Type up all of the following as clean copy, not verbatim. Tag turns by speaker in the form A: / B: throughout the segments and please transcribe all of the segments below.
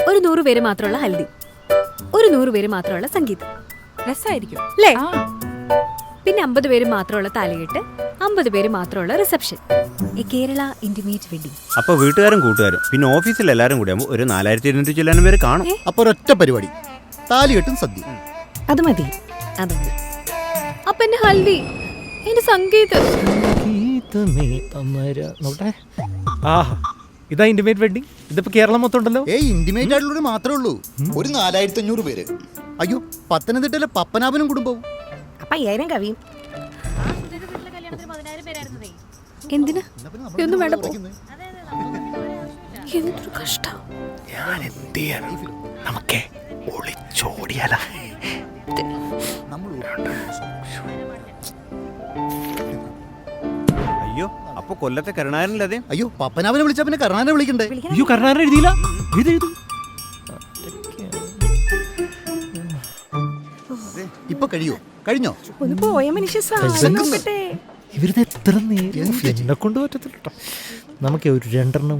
A: ഒരു 100 പേര് മാത്രമുള്ള ഹൽദി, ഒരു 100 പേര് മാത്രമുള്ള സംഗീതം.
B: രസമായിരിക്കും
A: അല്ലേ? പിന്നെ 50 പേര് മാത്രമുള്ള താലികെട്ട്, 50 പേര് മാത്രമുള്ള റിസപ്ഷൻ. ഈ കേരള ഇന്റിമേറ്റ് വെഡിങ്.
C: അപ്പൊ വീട്ടുകാരും കൂട്ടുകാരും പിന്നെ ഓഫീസിൽ എല്ലാരും കൂടി ആകുമ്പോൾ ഒരു 4200 ചില്ലാനും പേര് കാണും.
D: അപ്പൊ ഒരൊറ്റ പരിപാടി, താലികെട്ടും സദ്യ.
B: അത് മതി.
A: അപ്പൊ എന്റെ ഹൽദി, എന്റെ സംഗീതം.
E: ഇതാ ഇന്റിമേറ്റ് വെഡിങ്. ഇതിപ്പോ കേരളം മൊത്തം ഉണ്ടല്ലോ.
D: ഇന്റിമേറ്റ് ആയിട്ടുള്ളവര് മാത്രമേ ഉള്ളൂ. ഒരു 4500 പേര്. അയ്യോ, പത്തനംതിട്ടയിലെ പപ്പനാഭനും കുടുംബവും.
B: അപ്പൊ 5000 കവിയും.
A: എന്തിനാ? ഒന്നും വേണ്ട. എന്തൊരു കഷ്ടം.
E: നമുക്കേ ഒളിച്ചോടിയാല.
C: അയ്യോ, അപ്പൊ കൊല്ലത്തെ കരുണാകരനല്ലേ?
D: അയ്യോ, പപ്പനാഭനെ വിളിച്ചാ പിന്നെ കരുണാകരനെ വിളിക്കണ്ടേ?
E: അയ്യോ, കരുണാകരൻ എഴുതിയില്ല.
D: ഇപ്പൊ കഴിഞ്ഞോ?
B: ഒന്ന് പോയ മനുഷ്യ സാധനം നോക്കട്ടെ.
E: ഇവരുടെ എത്ര നേരം എന്നെ കൊണ്ട് പറ്റത്തില്ല കേട്ടോ. നമുക്ക് ഒരു 2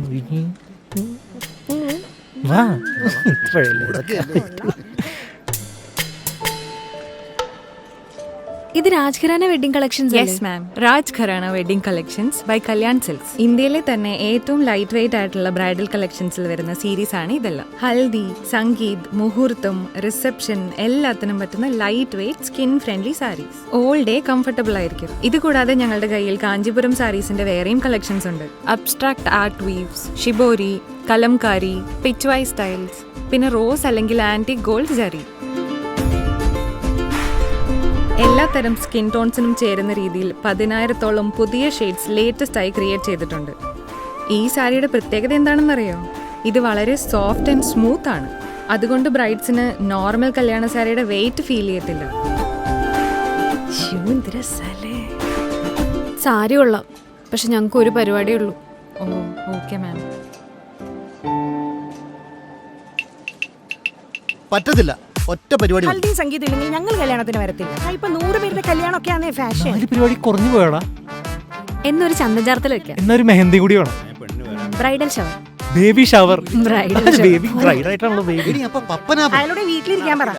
A: ഇത് Rajgharana wedding collections.
F: Yes ma'am, Raj Gharana wedding collections by Kalyan Silks. ഇന്ത്യയിലെ തന്നെ ഏറ്റവും ലൈറ്റ് വെയിറ്റ് ആയിട്ടുള്ള ബ്രൈഡൽ കളക്ഷൻസിൽ വരുന്ന സീരീസ് ആണ് ഇതെല്ലാം. ഹൽദി, സംഗീത്, മുഹൂർത്തം, റിസപ്ഷൻ എല്ലാത്തിനും പറ്റുന്ന light weight skin friendly saris. All day comfortable ആയിരിക്കും. ഇത് കൂടാതെ ഞങ്ങളുടെ കയ്യിൽ കാഞ്ചീപുരം സാരീസിന്റെ വേറെയും കളക്ഷൻസ് ഉണ്ട്. Abstract art weaves, shibori, kalamkari, pichwai styles, പിന്നെ റോസ് അല്ലെങ്കിൽ ആന്റിക് ഗോൾഡ് ജറി. എല്ലാത്തരം സ്കിൻ ടോൺസിനും ചേരുന്ന രീതിയിൽ 10,000-ഓളം പുതിയ ഷെയ്ഡ്സ് ലേറ്റസ്റ്റ് ആയി ക്രിയേറ്റ് ചെയ്തിട്ടുണ്ട്. ഈ സാരിയുടെ പ്രത്യേകത എന്താണെന്നറിയോ? ഇത് വളരെ സോഫ്റ്റ് ആൻഡ് സ്മൂത്ത് ആണ്. അതുകൊണ്ട് ബ്രൈഡ്സിന് നോർമൽ കല്യാണ സാരിയുടെ വെയിറ്റ് ഫീൽ ചെയ്യത്തില്ല.
A: സാരി കൊള്ളാം, പക്ഷെ ഞങ്ങൾക്ക് ഒരു പരിപാടിയേ ഉള്ളൂ.
F: Oh okay ma'am.
D: പറ്റത്തില്ല, ഒറ്റ പരിപാടി.
B: ഹൽദിയും സംഗീതം ഇല്ലെങ്കിൽ ഞങ്ങൾ കല്യാണത്തിന് വരത്തില്ല. ഇപ്പൊ 100 പേരുടെ കല്യാണമൊക്കെ ആണ് ഫാഷൻ.
E: പരിപാടി കുറഞ്ഞു പോയടാ.
A: എന്നൊരു ചന്ദൻ ചാർത്തൽ വെക്കാം.
E: എന്നൊരു മെഹന്തി കൂടി വേണം.
A: Bridal shower.
E: Baby shower.
A: Bridal
E: baby bride ആയിട്ടാണല്ലോ ബേബി.
D: അപ്പൊ പപ്പനാഭൻ
B: അയാളുടെ വീട്ടിലിരിക്കാൻ പറ.